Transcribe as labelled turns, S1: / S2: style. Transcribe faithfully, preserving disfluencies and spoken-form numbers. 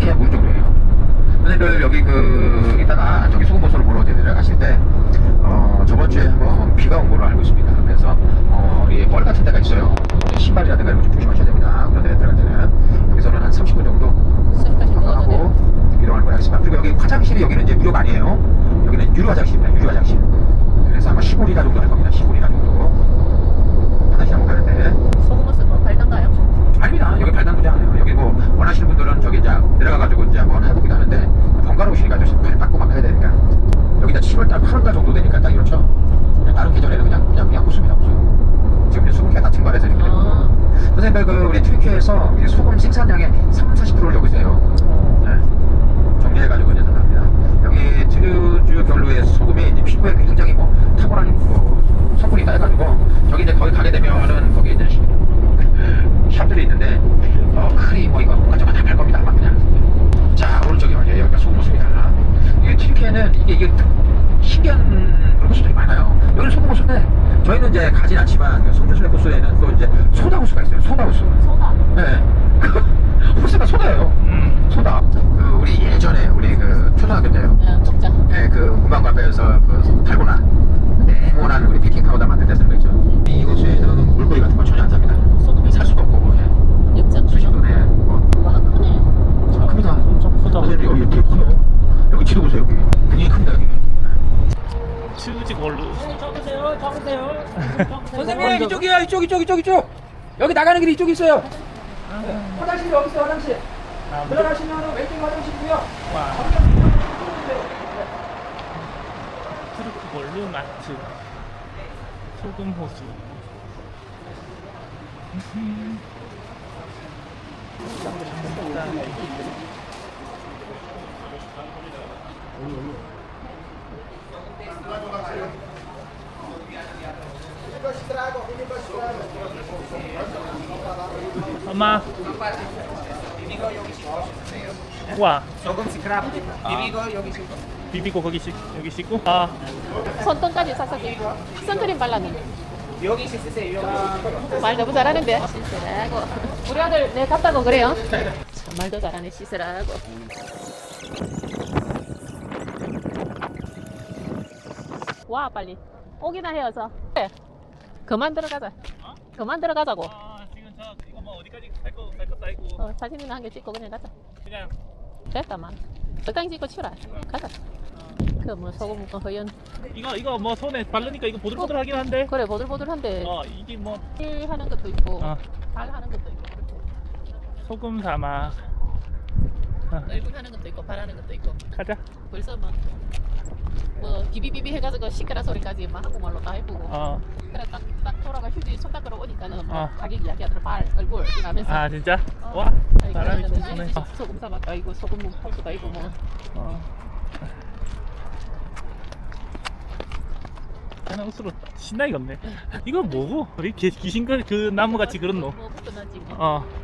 S1: 개 보일 정도예요. 선생님들 여기 그 이따가 저기 소금호수를 보러 내려가실 때 어, 저번 주에 한번 비가 온 걸로 알고 있습니다. 그래서 어, 이 뻘 같은 데가 있어요. 신발이라든가 이런 거 좀 조심하셔야 됩니다. 그런 데 들어갈 때는 여기서는 한 삼십 분 정도 하고 이동하는 걸 하겠습니다. 그리고 여기 화장실이 여기는 이제 무료가 아니에요. 여기는 유료 화장실입니다. 유료 화장실. 그래서 아마 십오 리터 정도 할 겁니다. 십오 리터 정도 화장실 한번 가는데.
S2: 소금호수 뭐 발단가요?
S1: 아닙니다. 여기 발단구지 않아요. 여기 뭐 원하시는 분들은 저기 이제 내려가가지고 이제 한번 해보기도 하는데 번거로우시니까 좀 발 닦고 막 해야 되니까 여기다 칠월달, 팔월달 정도 되니까 딱 이렇죠. 그냥 다른 계절에는 그냥 그냥 그냥 호수입니다. 호수. 지금 이제 수분기가 다 증발해서 이렇게 되는 거예요. 선생님들 그 우리 트리키에서 소금 생산량의 삼, 사십 퍼센트를 여기서 해요. 네. 정리해가지고 이제 나갑니다. 여기 트류주 별로의 소금이 이제 피부에 굉장히 뭐 탁월한 뭐 성분이 있다 해가지고 저기 이제 거기 가게 되면은 거기 이제 샵들이 있는데 어 크림 뭐 이거 뭔가 저거 다 팔 겁니다. 아마 그냥. 자 오른쪽에 와요. 여기가 소금호수입니다. 이게 튀르키예는 이게 이게 신기한 그런 호수들이 많아요. 여기는 소금호수인데 저희는 이제 가진 않지만 성주순례 호수에는 또 이제 소다호수가 있어요. 소다호수.
S2: 소다.
S1: 네. 그 호수가 소다예요. 음, 소다. 그 우리 예전에 우리 그 초등학교 때요.
S2: 네, 적자.
S1: 네, 그 문방구 앞에서 그 달고나 네모난 우리 베이킹 파우더 만들 때 쓰는 거 있죠. 이 호수에는 물고기 같은 거 전혀 안 삽니다.
S2: 소금이
S1: 살 수가 없고. 예.
S2: 엽장.
S1: 수십도네. 뭐.
S2: 와 크네.
S1: 아, 큽니다.
S3: 엄청 크다.
S1: 선생님 여기 되게 커요. 여기 지도 보세요. 여기 굉장히 큽니다. 여기.
S3: 뮤직 월드.
S2: 잡으세요, 잡으세요.
S4: 선생님 이쪽이요. 이쪽 이쪽 이쪽 이쪽. 여기 나가는 길이 이쪽에 있어요. 네. 화장실이 여기 있어요. 화장실.
S3: 아,
S4: 들어가시면 왼쪽 화장실이고요.
S3: 와. 트루크 월드 마트. 소금 호수. 엄마. 와.
S4: 소금 스크랍. 비비고 여기 있고.
S3: 비비고 거기 씻 여기 씻고. 아.
S2: 손등까지 싹싹 끼고 선크림 발랐는데.
S4: 여기 씻으세요. 여기.
S2: 말 너무 잘하는데. 씻으라고. 우리 아들 내 갔다고 그래요. 참 말도 잘하네. 씻으라고. 와 빨리. 오기나 해어서. 그래. 그만 들어가자. 그만 들어가자고.
S3: 아 지금 저 이거 뭐 어디까지 갈거 갈 것도 아니고
S2: 어, 사진 있는 한 개 찍고 그냥 가자.
S3: 그냥
S2: 됐다만. 적당히 찍고 치라. 가자. 그 뭐 소금 뭐 허연.
S3: 이거 이거 뭐 손에 바르니까 이거 보들보들하긴 한데.
S2: 그래 보들보들한데.
S3: 어 이게 뭐
S2: 일 하는 것도 있고
S3: 어.
S2: 발 하는 것도 있고 그렇게.
S3: 소금 사막. 어,
S2: 얼굴 하는 것도 있고 발 하는 것도 있고
S3: 가자.
S2: 벌써 막 뭐 비비비비 해가지고 시끄러 소리까지 막 한국말로 다 해보고
S3: 어.
S2: 그래 딱, 딱 돌아가 휴지 손 닦으러 오니까는 뭐
S3: 어.
S2: 가격 이야기하더라 발 얼굴 이러면서
S3: 아 진짜?
S2: 어.
S3: 와
S2: 아니,
S3: 사람이
S2: 그러면은
S3: 좋구네.
S2: 이제 소금 사막가 있고 소금 호수가 있고 뭐
S3: 어. 하나 옷으로 신나게 걷네. 이거 뭐고? 우리 개- 귀신 그 나무 같이 그런 노.
S2: 뭐 끝나지 뭐.
S3: 어.